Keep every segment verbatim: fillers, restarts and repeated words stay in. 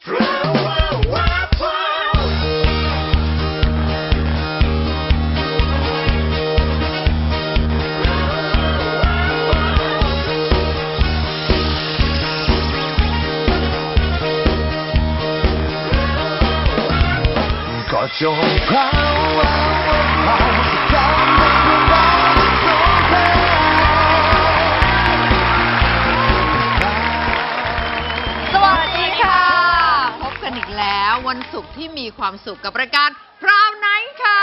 ก็จงพราวพราวพราวพราวพราวสวัสดีค่ะ พบกันอีกแล้ววันศุกร์ที่มีความสุขกับรายการพราวไนท์ค่ะ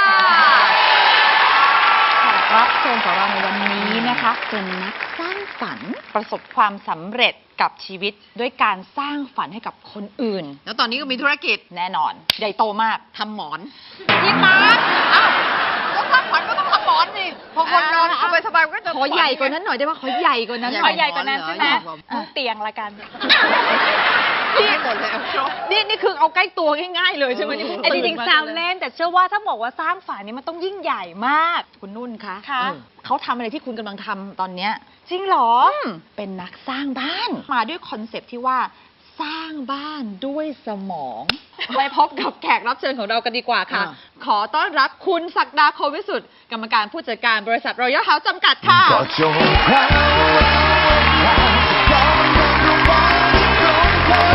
แขกรับเชิญของเราในวันนี้นะคะเป็นนักสร้างฝันประสบความสำเร็จกับชีวิตด้วยการสร้างฝันให้กับคนอื่นแล้วตอนนี้ก็มีธุรกิจแน่นอนใหญ่โตมากทำหมอนพี่มาร์คอ้าวก็สร้างฝันก็ต้องทำหมอนสิพอคนนอนสบายสบายก็จะขอใหญ่กว่านั้นหน่อยได้ไหมขอใหญ่กว่านั้นหน่อยใหญ่กว่านั้นใช่ไหมทุกเตียงละกันนี่หมดเลยนี่นี่คือเอาใกล้ตัวง่ายๆเลยใช่ไหมไอ้จริงๆแซวเล่นแต่เชื่อว่าถ้าบอกว่าสร้างฝันนี้มันต้องยิ่งใหญ่มากคุณนุ่นคะค่ะเขาทำอะไรที่คุณกำลังทำตอนเนี้ยจริงเหรอเป็นนักสร้างบ้าน มาด้วยคอนเซปต์ที่ว่าสร้างบ้านด้วยสมอง ไปพบกับแขกรับเชิญของเรากันดีกว่าค่ะ ขอต้อนรับคุณศักดาโควิสุทธิ์กรรมการผู้จัดการบริษัทรอยัลเฮาส์จำกัดค่ะก็จงพราวพราวพราวพราวพราว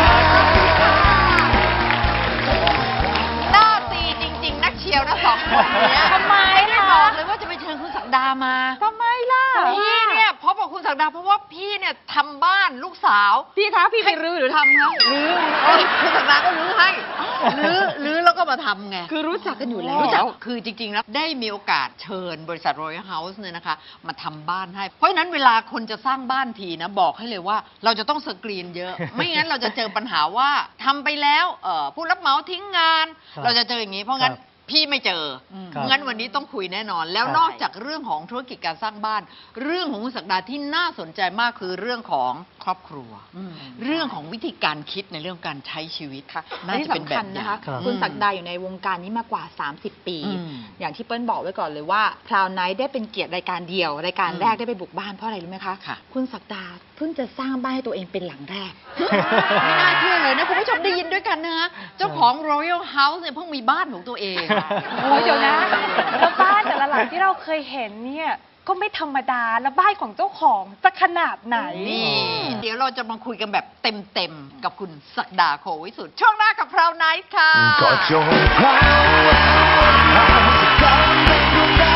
หน้าตีจริง ๆ นักเชียวนะสองคนเนี้ยทำไมไม่ได้ล่ะบอกเลยว่าจะไปเชิญคุณศักดามาทำไมล่ะพี่เนี่ยพบกับคุณศักดาเพราะว่าพี่เนี่ยทำบ้านลูกสาวพี่คะพี่ไปรื้อหรือทำคะรื้อคุณศักดาก็รื้อให้รื้อรื้อแล้วก็มาทำไงคือรู้จักกันอยู่แล้วรู้จักคือจริงๆแล้วได้มีโอกาสเชิญบริษัท Royal House เนี่ยนะคะมาทำบ้านให้เพราะฉะนั้นเวลาคนจะสร้างบ้านทีนะบอกให้เลยว่าเราจะต้องสกรีนเยอะ ไม่งั้นเราจะเจอปัญหาว่าทำไปแล้วเอ่อผู้รับเหมาทิ้งงาน เราจะเจออย่างนี้เพราะงั้นพี่ไม่เจอเพราะงั้นวันนี้ต้องคุยแน่นอน แล้วนอกจากเรื่องของธุรกิจการสร้างบ้าน เรื่องของคุณศักดาที่น่าสนใจมากคือเรื่องของครอบครัว เรื่องของวิธีการคิดในเรื่องการใช้ชีวิตค่ะน่าจะเป็นแบบอย่างคุณศักดาอยู่ในวงการนี้มากว่า สามสิบ ปีอืมอย่างที่เปิ้ลบอกไว้ก่อนเลยว่าพราวไนท์ได้เป็นเกียรติรายการเดียว รายการอืมแรกได้ไปบุกบ้านเพราะอะไรรู้ไหมคะค่ะคุณศักดาเพิ่งจะสร้างบ้านให้ตัวเองเป็นหลังแรกไม่น่าเชื่อเลยนะคุณผู้ชมได้ยินด้วยกันนะฮะเจ้าของ Royal House เนี่ยเพิ่งมีบ้านของตัวเองโอ้ยเดี๋ยวนะแล้วบ้านแต่ละหลังที่เราเคยเห็นเนี่ยก็ไม่ธรรมดาแล้วบ้านของเจ้าของจะขนาดไหนนี่ เดี๋ยวเราจะมาคุยกันแบบเต็มๆกับคุณศักดาโควิสุทธิ์ช่วงหน้ากับพราวไนท์ค่ะก็จงพราวพราวพราวพราว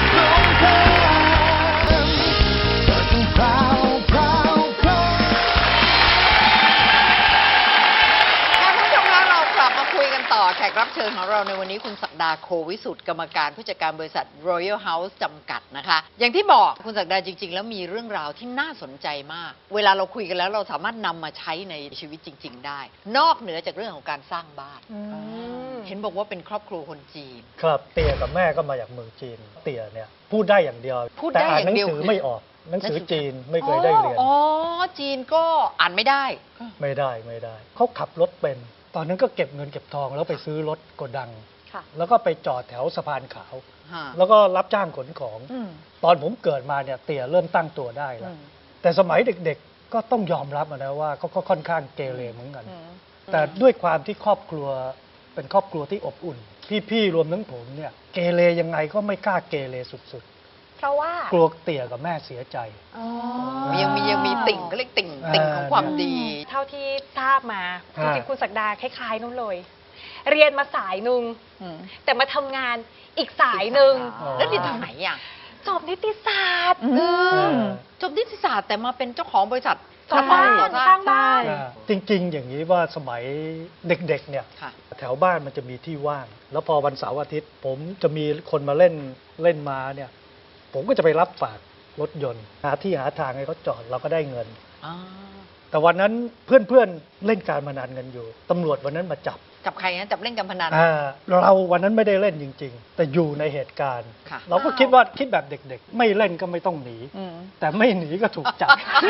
ก็จงพราวพราวพราวค่ะคุณผู้ชมคะเรากลับมาคุยกันต่อแขกรับเชิญของเราในวันนี้คุณศักดาโควิสุทธิ์กรรมการผู้จัดการบริษัท Royal House จำกัดนะคะ อย่างที่บอกคุณศักดาจริง ๆ แล้วมีเรื่องราวที่น่าสนใจมาก เวลาเราคุยกันแล้วเราสามารถนำมาใช้ในชีวิตจริง ๆ ได้ นอกเหนือจากเรื่องของการสร้างบ้าน เห็นบอกว่าเป็นครอบครัวคนจีนครับเตี่ยกับแม่ก็มาจากเมืองจีน เตี่ยเนี่ยพูดได้อย่างเดียวพูดแต่ได้อ่านอย่าหนังเดียวสือไม่ออกหนังสือจีนไม่เคยได้เรียนอ๋อ จีนก็อ่านไม่ได้ไม่ได้ไม่ได้เขาขับรถเป็น ตอนนั้นก็เก็บเงินเก็บทองแล้วไปซื้อรถโกดังค่ะแล้วก็ไปจอดแถวสะพานขาวฮะแล้วก็รับจ้างขนของอืมตอนผมเกิดมาเนี่ยเตี่ยเริ่มตั้งตัวได้แล้ว แต่สมัยเด็กๆก็ต้องยอมรับนะว่าเขาก็ค่อนข้างเกเรเหมือนกัน แต่ด้วยความที่ครอบครัวเป็นครอบครัวที่อบอุ่น พี่ๆรวมทั้งผมเนี่ยเกเรยังไงก็ไม่กล้าเกเรสุดเพราะว่าๆ กลัวเตี่ยกับแม่เสียใจยังมียังมีติ่งก็เรียกติ่งติ่งของความดีเท่าที่ทราบมาจฮะริงๆคุณศักดาคล้ายๆนู้นเลย เรียนมาสายหนึ่งแต่มาทำงานอีกสายหนึ่งอ๋อแล้วเรียนทางไหนอ่ะจบนิติศาสตร์อืมมจบนิติศาสตร์แต่มาเป็นเจ้าของบริษัทสร้างบ้านก่อสร้างบ้านอ่าจริงๆ อย่างนี้ว่าสมัยเด็กๆ เนี่ยค่ะแถวบ้านมันจะมีที่ว่าง แล้วพอวันเสาร์อาทิตย์ ผมจะมีคนมาเล่นเล่นมาเนี่ย ผมก็จะไปรับฝากรถยนต์ หาที่หาทางให้เขาจอดเราก็ได้เงินอ่าแต่วันนั้นเพื่อนๆ เล่นการพนันกันอยู่ตำรวจวันนั้นมาจับจับใครนะจับเล่นการพนันอ่าเราวันนั้นไม่ได้เล่นจริง ๆ แต่อยู่ในเหตุการณ์ค่ะเราก็คิดว่าคิดแบบเด็กๆ ไม่เล่นก็ไม่ต้องหนี แต่ไม่หนีก็ถูกจับ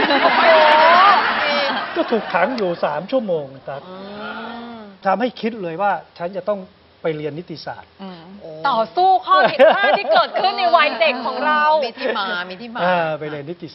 ก็ถูกขังอยู่สามชั่วโมงครับอืมทำให้คิดเลยว่าฉันจะต้องไปเรียนนิติศาสตร์โอ้ต่อสู้ข้อผิดพลาดที่เกิดขึ้นในวัยเด็กของเรามีที่มา มีที่มาอ่าไปเรียนนิติศาสตร์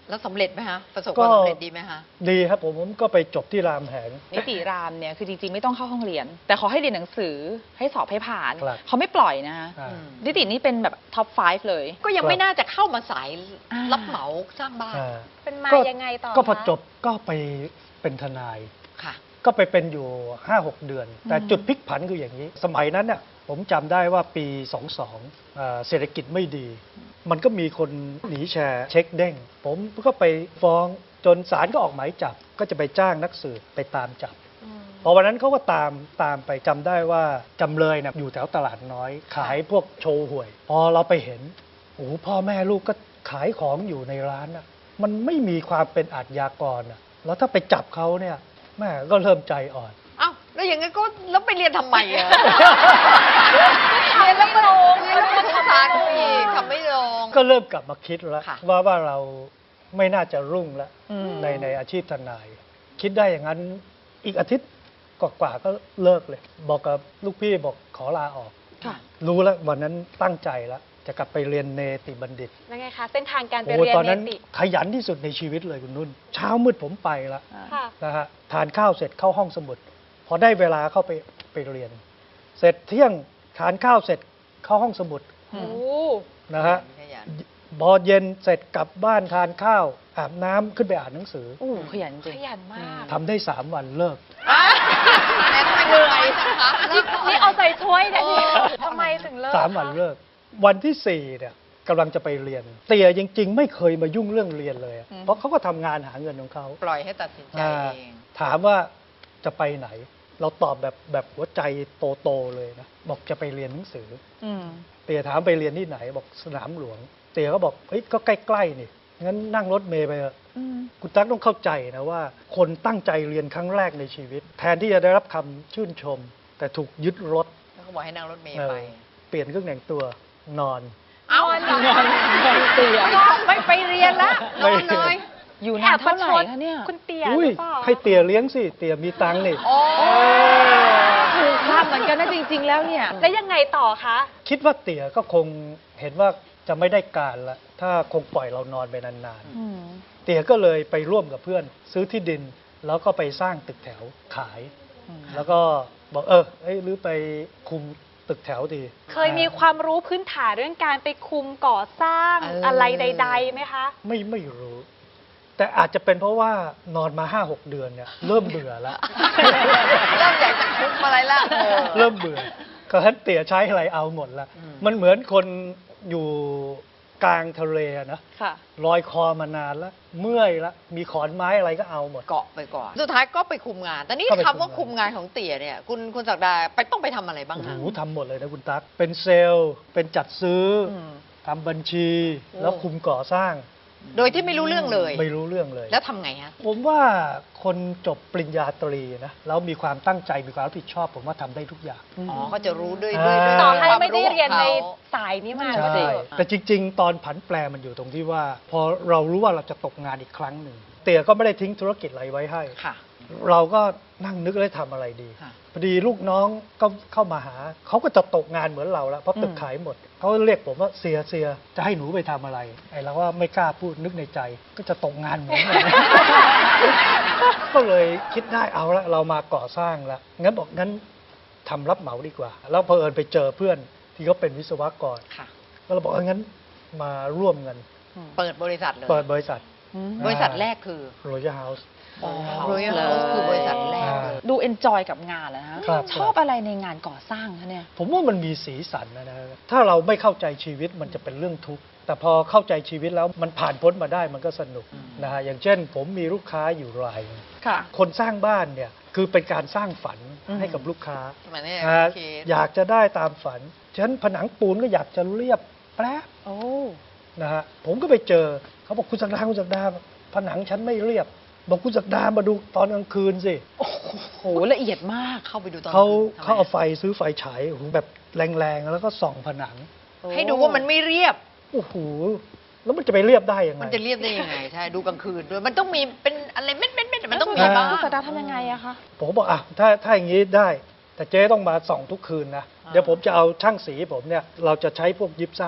แล้วสำเร็จไหมฮะประสบคก็วามสำเร็จดีไหมฮะดีครับผมผมก็ไปจบที่รามแหงนิติรามเนี่ยคือจริงๆไม่ต้องเข้าห้องเรียน แต่ขอให้เรียนหนังสือให้สอบให้ผ่านครับเขาไม่ปล่อยนะคะอ่านิตินี่เป็นแบบท็อปห้าเลยก็ยังไม่น่าจะเข้ามาสายอ่ารัรับเหมาสร้างบ้านอ่าเป็นมาก็ยังไงต่อก็พอคะจบก็ไปเป็นทนายค่ะก็ไปเป็นอยู่ ห้าหก เดือน แต่จุดพลิกผันคืออย่างนี้ สมัยนั้นเนี่ยผมจำได้ว่าปี สองสองเอ่อเศรษฐกิจไม่ดี มันก็มีคนหนีแชร์เช็คเด้ง ผมก็ไปฟ้องจนศาลก็ออกหมายจับ ก็จะไปจ้างนักสืบไปตามจับ พอวันนั้นเขาก็ตามตามไปจำได้ว่าจำเลยนะอยู่แถวตลาดน้อย ขายพวกโชว์หวย พอเราไปเห็นโอ้โหพ่อแม่ลูกก็ขายของอยู่ในร้านอ่ะมันไม่มีความเป็นอาชญากรอ่ะแล้วถ้าไปจับเขาเนี่ยแม่ก็เริ่มใจอ่อนเอ้าแล้วอย่างงั้นก็แล้วไปเรียนทำไมอะ เรียนแล้วก็ลงเรียนแล้วก็สงสารเขาอีกทำไม่ลงก็เริ่มกลับมาคิดแล้วค่ะว่าว่าเราไม่น่าจะรุ่งแล้วอืมในในอาชีพทนาย คิดได้อย่างนั้นอีกอาทิตย์กว่าๆก็เลิกเลย บอกกับลูกพี่บอกขอลาออกค่ะรู้แล้ววันนั้นตั้งใจแล้ว จะกลับไปเรียนเนติบัณฑิตแล้วไงคะ เส้นทางการไปโอ้เรียนตอนเนนั้นติขยันที่สุดในชีวิตเลยคุณนุ่น เช้ามืดผมไปละค่ะนะฮะทานข้าวเสร็จเข้าห้องสมุด พอได้เวลาเข้าไปไปเรียน เสร็จเที่ยงทานข้าวเสร็จเข้าห้องสมุดโอ้นะฮะขยันพอเย็นเสร็จกลับบ้านทานข้าว อาบน้ำขึ้นไปอ่านหนังสือโอ้ขยันจริขงยันมากทำได้สามวันเลิกอ่ะแต่ทำไมเหนื่อยจังคะนี่นี่เอาใจช่วยนะเนี่ยทำไมถึงเลิกสามวันคะเลิก วันที่สี่เนี่ยกำลังจะไปเรียน เตียจริง ๆ ไม่เคยมายุ่งเรื่องเรียนเลยอะเพราะเขาก็ทำงานหาเงินของเขาปล่อยให้ตัดสินใจอ่าเองถามว่าจะไปไหน เราตอบแบบแบบหัวใจโตๆเลยนะบอกจะไปเรียนหนังสืออืมเตียถามไปเรียนที่ไหนบอกสนามหลวง เตียก็บอกเฮ้ยก็ใกล้ๆนี่งั้นนั่งรถเมล์ไปเถอะอืมคุณตั๊กต้องเข้าใจนะว่า คนตั้งใจเรียนครั้งแรกในชีวิต แทนที่จะได้รับคำชื่นชม แต่ถูกยึดรถแล้วก็บอกให้นั่งรถเมล์เออไปเปลี่ยนเครื่องแต่งตัวนอนเอ้านอนเตียไม่ไปเรียนละนอนเลยอยู่แอนานบปเท่าระไหชร่ดคะเนี่ยคุณเตียอุ้หยรือเปล่าให้เตียเลี้ยงสิเตียมีตังค์นี่โอ้ถูกภาพเหมือนกันนะจริง ๆ แล้วเนี่ยแล้วยังไงต่อคะคิดว่าเตียก็คงเห็นว่าจะไม่ได้การละถ้าคงปล่อยเรานอนไปนานอืมๆ เตียก็เลยไปร่วมกับเพื่อน ซื้อที่ดิน แล้วก็ไปสร้างตึกแถวขายอืมแล้วก็บอกเออเอ้ยหรือไปคุมตึกแถวดีเคยมีความรู้พื้นฐานเรื่องการไปคุมก่อสร้างเออออะไรใดๆไหมคะไม่ไม่รู้ แต่อาจจะเป็นเพราะว่านอนมาห้าหกเดือนเนี่ยเริ่มเบื่อแล้วเริ่มอยากจะคุมอะไรละเออเริ่มเบื่อก็ท่านเตี่ยใช้อะไรเอาหมดละอืมมันเหมือนคนอยู่กลางทะเลอะนะค่ะลอยคอมานานแล้ว เมื่อยแล้ว มีขอนไม้อะไรก็เอาหมดเกาะไปก่อน สุดท้ายก็ไปคุมงาน แต่นี่ก็ไปคำว่าคุคุมมงานงานของเตี๋ยเนี่ย คุณคุณศักดาไปต้องไปทำอะไรบ้างโอ้โหคะทำหมดเลยนะคุณตั๊ก เป็นเซลล์ เป็นจัดซื้ออมทำบัญชี แล้วคุมก่อสร้างโดยที่ไม่รู้เรื่องเลยไม่รู้เรื่องเลยแล้วทำไงฮะผมว่าคนจบปริญญาตรีนะ แล้วมีความตั้งใจ มีความรับผิดชอบ ผมว่าทำได้ทุกอย่างอ๋อ ก็จะรู้ด้วยอ่าด้วยด้วยต่อให้ความไม่ได้เรียนในของขาสายนี้มาใช่ก็เถใช่อะแต่จริง ๆ ตอนผันแปรมันอยู่ตรงที่ว่า พอเรารู้ว่าเราจะตกงานอีกครั้งหนึ่ง เตี่ยก็ไม่ได้ทิ้งธุรกิจอะไรไว้ให้ค่ะเราก็นั่งนึกเลยทำอะไรดีค่ะพอดีลูกน้องก็เข้ามาหา เขาก็จะตกงานเหมือนเราแล้ว เพราะตึกอืมขายหมด เขาเรียกผมว่าเสียเสียจะให้หนูไปทำอะไร ไอ้เราว่าไม่กล้าพูดนึกในใจ ก็จะตกงานเหมือนกัน ก็เลยคิดได้เอาละเรามาก่อสร้างแล้วงั้นบอกงั้นทำรับเหมาดีกว่า แล้วพอเผอิญไปเจอเพื่อนที่เขาเป็นวิศวกรค่ะก็เราบอกเอางั้นมาร่วมกันเปิดบริษัทเลยเปิดบริษัทอืมบริษัทแรกคือ Royal House Royal House คือบริษัทแรกเลยดูเอนจอยกับงานแล้วนะครับชอบอะไรในงานก่อสร้างคะเนี่ยผมว่ามันมีสีสันนะนะ ถ้าเราไม่เข้าใจชีวิตมันจะเป็นเรื่องทุกข์ แต่พอเข้าใจชีวิตแล้วมันผ่านพ้นมาได้มันก็สนุกนะฮะ อย่างเช่น ผมมีลูกค้าอยู่รายหนึ่งค่ะคนสร้างบ้านเนี่ยคือเป็นการสร้างฝันอืมให้กับลูกค้าสมัยนี้อ่าโอเคอยากจะได้ตามฝัน ฉะนั้นผนังปูนก็อยากจะเรียบแป๊บโอ้นะฮะ ผมก็ไปเจอ เขาบอกคุณศักดาคุณศักดาผนังฉันไม่เรียบ บอกคุณศักดามาดูตอนกลางคืนสิโหละเอียดมากเข้าไปดูตอนเขาทำไมเขาเอาไฟซื้อไฟฉายโอ้โหแบบแรงๆ แล้วก็ส่องผนังให้ดูว่ามันไม่เรียบโอ้โห แล้วมันจะไปเรียบได้ยังไงมันจะเรียบได้ยังไง ใช่ ดูกลางคืนด้วย มันต้องมีเป็นอะไรเม็ดเม็ดเม็ดมันต้องมีอ่าบ้างคุณสตาร์ทำยังไงอะคะผมก็บอกอ่ะถ้าถ้าอย่างนี้ได้ แต่เจ๊ต้องมาส่องทุกคืนนะ เดี๋ยวผมจะเอาช่างสีผมเนี่ย เราจะใช้พวกยิปซัมเนี่ย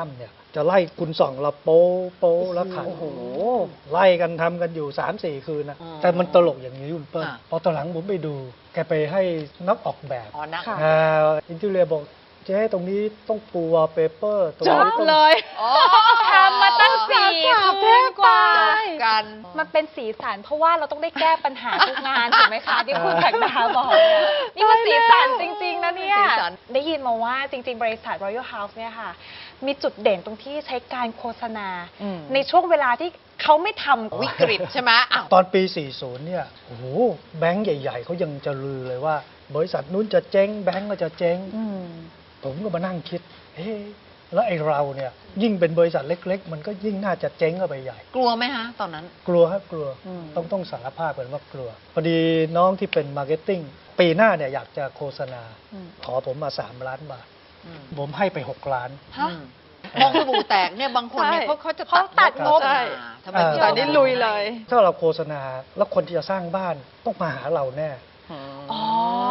จะไล่คุณส่องเราโป๊โป๊แล้วขันโอ้โหไล่กันทำกันอยู่สามสี่คืนนะอ๋อแต่มันตลกอย่างนี้คุณเปิ้ลอ่ะพอตอนหลังผมไปดู แกไปให้นักออกแบบอ๋อนะอ่าอินทีเรียบอกเจ๊ตรงนี้ต้องปูวอลเปเปอร์ตรงจนี้บต้องเลยอ๋อทำมาตั้งสี่คืนกว่ากันมันเป็นสีสันเพราะว่าเราต้องได้แก้ปัญหาทุกงานถูกไหมคะที่คุณศักดาบอกเนี่ยนี่มันสีสันจริง ๆ นะเนี่ยสีสันได้ยินมาว่าจริง ๆ บริษัท Royal House เนี่ยค่ะ มีจุดเด่นตรงที่ใช้การโฆษณาอืมในช่วงเวลาที่เขาไม่ทำวิกฤตใช่ไหมอ้าวตอนปี สี่สิบ เนี่ย โอ้โห แบงก์ใหญ่ ๆ เขายังจะลือเลยว่า บริษัทนู้นจะเจ๊ง แบงก์ก็จะเจ๊งอืมผมก็มานั่งคิด เฮ้แล้วไอ้เราเนี่ย ยิ่งเป็นบริษัทเล็ก ๆ มันก็ยิ่งน่าจะเจ๊งเข้าไปใหญ่กลัวไหมฮะ ตอนนั้นกลัวครับกลัวอืมต้องต้องสารภาพกันว่ากลัว พอดีน้องที่เป็นมาร์เก็ตติ้งปีหน้าเนี่ยอยากจะโฆษณา ขอผมมาสามล้านบาทอืมผมให้ไปหกล้านฮะมองสบู่แตกเนี่ยบางคนเนี่ยใช่เขาเขาจะเขาตัดงบอ่าทำไมเออพี่แต่นี่ลุยเลยถ้าเราโฆษณาแล้วคนที่จะสร้างบ้านต้องมาหาเราแน่อ๋อ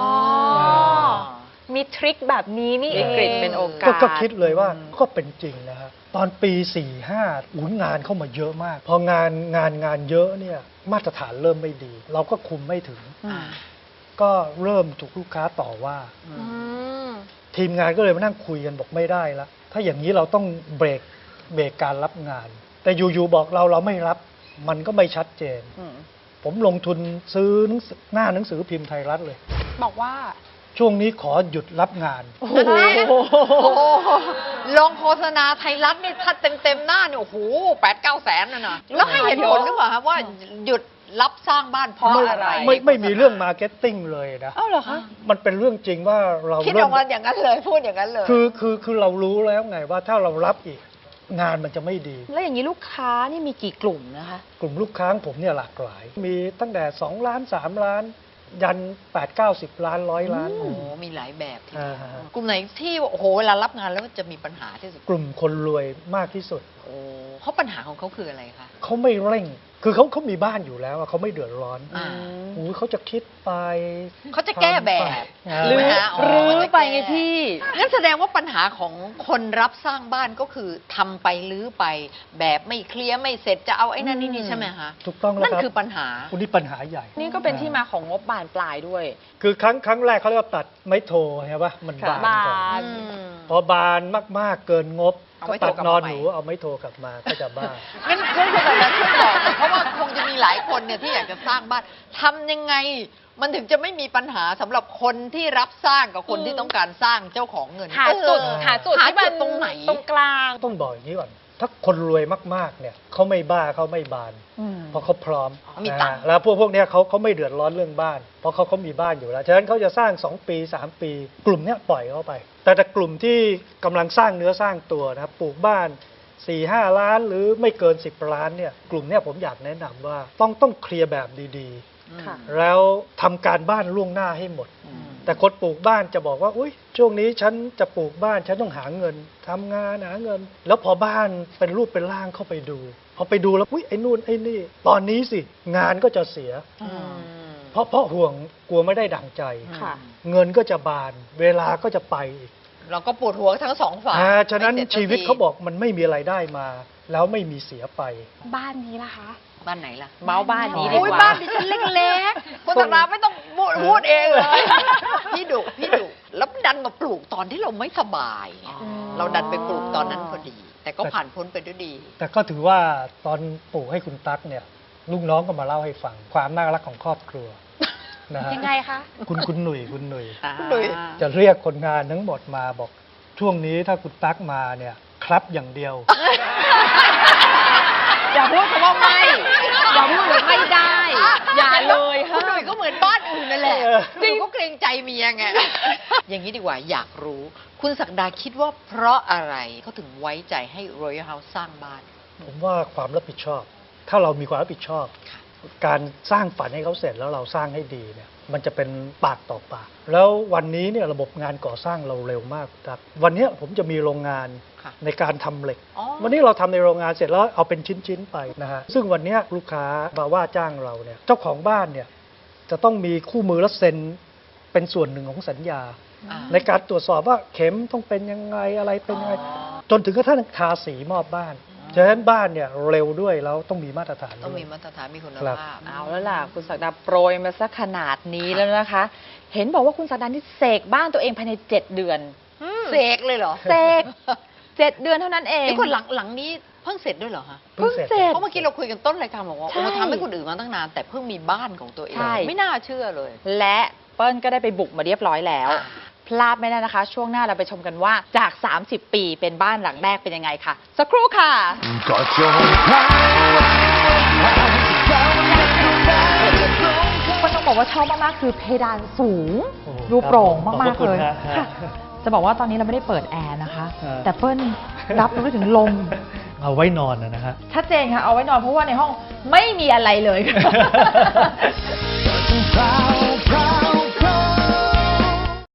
มีทริคแบบนี้นี่เอวิงกฤตเป็นโอกาสก็ก็คิดเลยว่าก็เป็นจริงนะฮะตอนปี สี่ห้าอุ้ยงานเข้ามาเยอะมาก พองานงานงานเยอะเนี่ยมาตรฐานเริ่มไม่ดี เราก็คุมไม่ถึงอ่าก็เริ่มถูกลูกค้าต่อว่าอือืมมทีมงานก็เลยมานั่งคุยกันบอกไม่ได้ละถ้าอย่างนี้เราต้องเบรกเบรกการรับงาน แต่อยู่ๆบอกเราเราไม่รับ มันก็ไม่ชัดเจนอืมผมลงทุนซื้อหนังสือหน้าหนังสือพิมพ์ไทยรัฐเลยบอกว่าช่วงนี้ขอหยุดรับงานโอ้โหลงโฆษณาไทยรัฐนี่ถ้าเต็มเต็มๆหน้าเนี่ยโอ้โหแปดเก้าแสนน่ะนะแล้วให้เหตุผลหรือเปล่าครับว่าหยุดรับสร้างบ้านเพราะไม่อะไรไม่ไม่มีเรื่องมาร์เก็ตติ้งเลยนะเอ้าเหรอคะมันเป็นเรื่องจริงว่าเราคิดอเริ่อมกมาอย่างนั้นเลยพูดอย่างนั้นเลยคือคือคือเรารู้แล้วไงว่าถ้าเรารับอีกงานมันจะไม่ดีแล้วอย่างนี้ลูกค้านี่มีกี่กลุ่มนะคะกลุ่มลูกค้าของผมเนี่ยหลากหลาย มีตั้งแต่สองล้านสามล้าน ยันแปดเก้าสิบล้านร้อยล้านโอ้โหมีหลายแบบทีเดียวอ่าฮะกลุ่มไหนที่โอ้โหเวลารับงานแล้วจะมีปัญหาที่สุดกลุ่มคนรวยมากที่สุดโอ้เพราะปัญหาของเขาคืออะไรคะเขาไม่เร่ง คือเขาเขามีบ้านอยู่แล้วอะเขาไม่เดือดร้อนอ่าโอ้ยเขาจะคิดไปเขาจะแก้แบบอ่าหรือฮะรื้อเขาจะไปแก้ไงพี่งั้นแสดงว่าปัญหาของคนรับสร้างบ้านก็คือทำไปรื้อไป แบบไม่เคลียร์ไม่เสร็จจะเอาไอ้นั่นนี่นี่ใช่ไหมคะถูกต้องแล้วนั่นครับคือปัญหาคุณนี่ปัญหาใหญ่นี่ก็เป็นที่มาของงบบานปลายด้วยคือครั้งครั้งแรกเขาเรียกว่าตัดไม้โทใช่ปะมันค่ะบานก่อนบานอืมพอบานมาก ๆ เกินงบเอาก็ไม้โทตัดกลับนอนมาใหม่หนูเอาไม้โทกลับมาก็จะบ้างั้นงั้นคุณสมบัติช่วยบอกหน่อยเพราะว่าคงจะมีหลายคนเนี่ยที่อยากจะสร้างบ้านทำยังไง มันถึงจะไม่มีปัญหาสำหรับคนที่รับสร้างกับคนที่ต้องการสร้างเจ้าของเงินหาจุดเออหาจุดหาที่มัจุนดตรงไหนตรงกลางต้องบอกอย่างนี้ก่อน ถ้าคนรวยมาก ๆ เนี่ยเขาไม่บ้าเขาไม่บานอืมเพราะเขาพร้อมเขามีตังค์อ่าแล้วพวกพวกเนี้ยเขาเขาไม่เดือดร้อนเรื่องบ้าน เพราะเขาเขามีบ้านอยู่แล้ว ฉะนั้นเขาจะสร้างสองปีสามปี กลุ่มเนี้ยปล่อยเขาไป แต่แต่กลุ่มที่กำลังสร้างเนื้อสร้างตัวนะครับปลูกบ้านสี่ห้าล้านหรือไม่เกินสิบล้านเนี่ยกลุ่มเนี้ยผมอยากแนะนำว่าต้องต้องเคลียร์แบบดีค่ะๆ แล้วทำการบ้านล่วงหน้าให้หมดอืมแต่คนปลูกบ้านจะบอกว่าอุ้ยช่วงนี้ฉันจะปลูกบ้านฉันต้องหาเงินทำงานหาเงิน แล้วพอบ้านเป็นรูปเป็นร่างเข้าไปดูพอไปดูแล้วอุ้ยไอ้นู่นไอ้นี่ ตอนนี้สิงานก็จะเสียอืมเพราะเพราะห่วงกลัวไม่ได้ดั่งใจค่ะเงินก็จะบาน เวลาก็จะไปอีกเราก็ปวดหัวทั้งสองฝ่ายอ่าฉะนั้นไม่สร็จสักชีวิตทีเขาบอกมันไม่มีอะไรได้มา แล้วไม่มีเสียไปบ้านนี้ล่ะคะบ้านไหนล่ะเมาส์บ้านนี้ดีโอ้ยกว่าบ้านดิฉันเล็กๆคุณธนาไม่ต้องพูดพูดเองเลย พี่ดุพี่ดุแล้วดันมาปลูกตอนที่เราไม่สบาย เราดันไปปลูกตอนนั้นพอดี แต่ก็ผ่านพ้นไปด้วยดีแต่ก็ถือว่าตอนปลูกให้คุณตั๊กเนี่ยลูกน้องก็มาเล่าให้ฟังความน่ารักของครอบครัวนะฮะยังไงคะคุณคุณหนุ่ยคุณหนุ่ยคุณหนุ่ยจะเรียกคนงานทั้งหมดมาบอกช่วงนี้ถ้าคุณตั๊กมาเนี่ยครับอย่างเดียวอย่าพูดคำว่าไม่อย่าพูดว่าไม่ได้อย่าเลยคุณหนุ่ยก็เหมือนบ้านอื่นนั่นแหละเออจริงก็เกรงใจเมียไง อย่างนี้ดีกว่าอยากรู้ คุณศักดาคิดว่าเพราะอะไรเขาถึงไว้ใจให้ Royal House สร้างบ้านผมว่าความรับผิดชอบ ถ้าเรามีความรับผิดชอบ การสร้างฝันให้เขาเสร็จแล้วเราสร้างให้ดีเนี่ยมันจะเป็นปากต่อปาก แล้ววันนี้เนี่ยระบบงานก่อสร้างเราเร็วมากครับวันนี้ผมจะมีโรงงานค่ะในการทำเหล็กอ๋อวันนี้เราทำในโรงงานเสร็จแล้วเอาเป็นชิ้นๆไปนะฮะซึ่งวันนี้ลูกค้ามาว่าจ้างเราเนี่ยเจ้าของบ้านเนี่ยจะต้องมีคู่มือและเซ็นเป็นส่วนหนึ่งของสัญญาอ่าในการตรวจสอบว่าเข็มต้องเป็นยังไงอะไรเป็นยังไงจนถึงกระทั่งทาสีมอบบ้านฉะนั้นบ้านเนี่ยเร็วด้วยแล้วต้องมีมาตรฐานต้องด้วยมีมาตรฐานมีคุณครับภาพเอาแล้วล่ะ คุณศักดาโปรยมาสักขนาดนี้แล้วนะคะ เห็นบอกว่าคุณศักดานี่เสกบ้านตัวเองภายในเจ็ดเดือนเสกเลยเหรอเสกเจ็ดเดือนเท่านั้นเองนี่คนหลังหลังนี้เพิ่งเสร็จด้วยเหรอคะเพิ่งเสร็จเพราะเมื่อกี้เราคุยกันต้นรายการบอกว่าใช่โอ้ทำให้คนอื่นมาตั้งนาน แต่เพิ่งมีบ้านของตัวเองใช่ไม่น่าเชื่อเลยและเปิ้ลก็ได้ไปบุกมาเรียบร้อยแล้วอ่าพลาดไม่ได้นะคะ ช่วงหน้าเราไปชมกันว่าจาก สามสิบ ปีเป็นบ้านหลังแรกเป็นยังไงค่ะ สักครู่ค่ะก็จงพราวพราวเจ้าจะทำได้ตรงก็ต้องบอกว่าชอบมาก ๆ คือเพดานสูงโอ้ดูโปร่งครับผมมากขอบๆคุณเลยฮะค่ะจะบอกว่าตอนนี้เราไม่ได้เปิดแอร์นะคะฮะแต่เปิ้ลรับรู้ได้ถึงลมเอาไว้นอนนะฮะชัดเจนค่ะ เอาไว้นอนเพราะว่าในห้องไม่มีอะไรเลยพราว